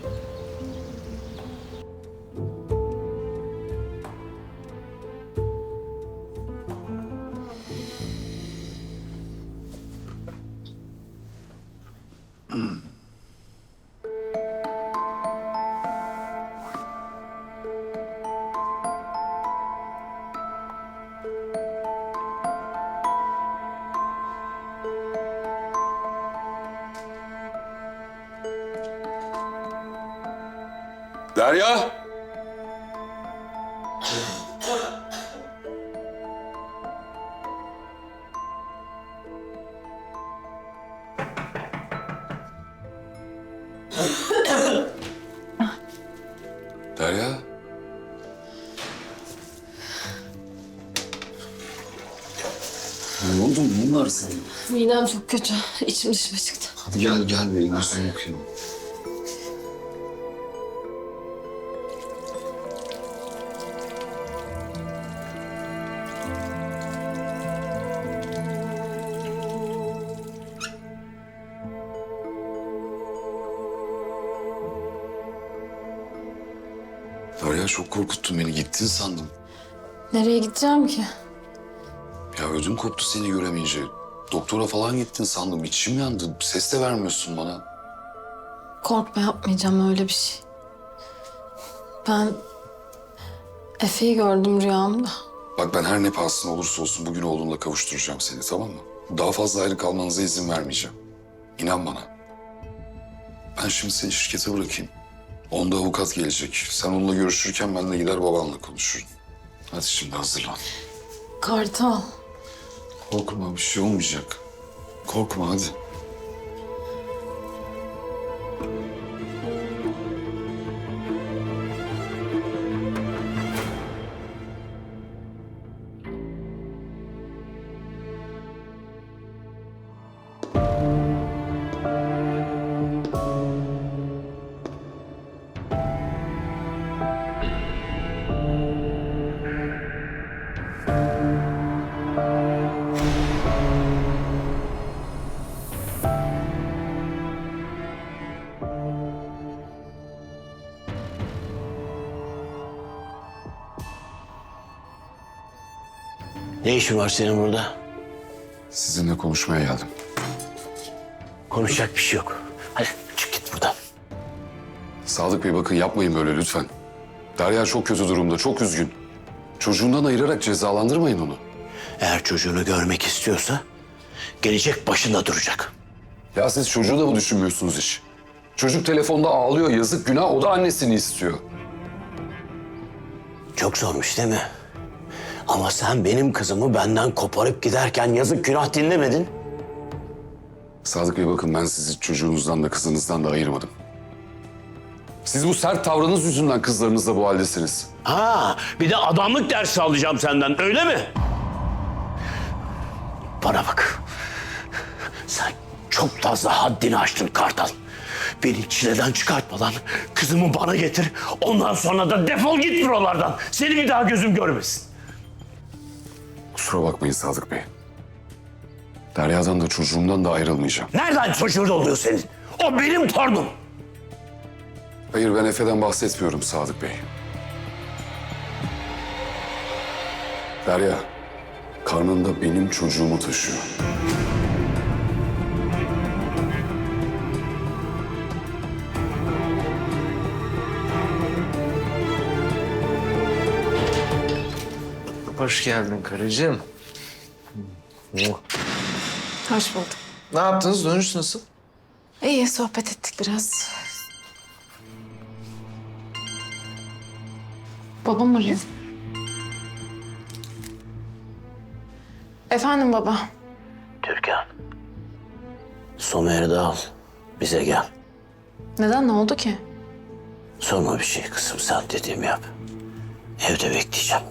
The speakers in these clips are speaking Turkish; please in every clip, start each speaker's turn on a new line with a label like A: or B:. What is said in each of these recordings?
A: Derya! Derya? Ne oldu? Neyin var senin?
B: Midem çok kötü. İçim dışıma çıktı.
A: Hadi gel benim yüzümü yıkayayım. Derya çok korkuttun beni. Gittin sandım.
B: Nereye gideceğim ki?
A: Ya ödüm koptu seni göremeyince. Doktora falan gittin sandım. İçim yandı. Ses de vermiyorsun bana.
B: Korkma, yapmayacağım öyle bir şey. Ben Efe'yi gördüm rüyamda.
A: Bak ben her ne pahasına olursa olsun bugün oğlumla kavuşturacağım seni, tamam mı? Daha fazla ayrı kalmanıza izin vermeyeceğim. İnan bana. Ben şimdi seni şirkete bırakayım. Onda avukat gelecek. Sen onunla görüşürken ben de gider babanla konuşurum. Hadi şimdi hazırlan.
B: Kartal.
A: Korkma, bir şey olmayacak. Korkma hadi.
C: Ne işin var senin burada?
A: Sizinle konuşmaya geldim.
C: Konuşacak bir şey yok. Hadi çık git buradan.
A: Sadık Bey bakın yapmayın böyle lütfen. Derya çok kötü durumda, çok üzgün. Çocuğundan ayırarak cezalandırmayın onu.
C: Eğer çocuğunu görmek istiyorsa gelecek başında duracak.
A: Ya siz çocuğu da mı düşünmüyorsunuz hiç? Çocuk telefonda ağlıyor, yazık günah, o da annesini istiyor.
C: Çok zormuş değil mi? Ama sen benim kızımı benden koparıp giderken yazık günah dinlemedin.
A: Sadık Bey bakın ben sizi çocuğunuzdan da kızınızdan da ayırmadım. Siz bu sert tavrınız yüzünden kızlarınızla bu haldesiniz.
C: Ha, bir de adamlık dersi alacağım senden, öyle mi? Bana bak. Sen çok fazla haddini aştın Kartal. Beni çileden çıkartmadan kızımı bana getir. Ondan sonra da defol git buralardan. Seni bir daha gözüm görmesin.
A: Kusura bakmayın Sadık Bey. Derya'dan da çocuğumdan da ayrılmayacağım.
C: Nereden çocuğun oluyor senin? O benim torunum.
A: Hayır ben Efe'den bahsetmiyorum Sadık Bey. Derya, karnında benim çocuğumu taşıyor.
D: Hoş geldin karıcığım.
B: Hoş bulduk.
D: Ne yaptınız? Dönüş nasıl?
B: İyi, sohbet ettik biraz. Babam arıyor. Efendim baba.
C: Türkan. Somer'i de al. Bize gel.
B: Neden, ne oldu ki?
C: Sorma bir şey kızım, sen dediğimi yap. Evde bekleyeceğim.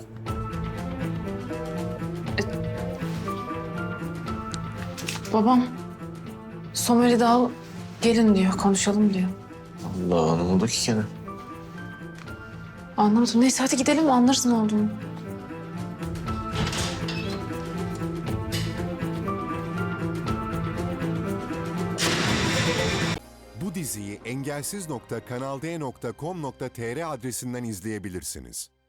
B: Babam Somer'i de al, gelin diyor, konuşalım diyor.
D: Allah, ne oldu ki gene?
B: Anlamadım. Neyse hadi gidelim, anlarız ne olduğunu.
E: Bu diziyi engelsiz.kanalde.com.tr adresinden izleyebilirsiniz.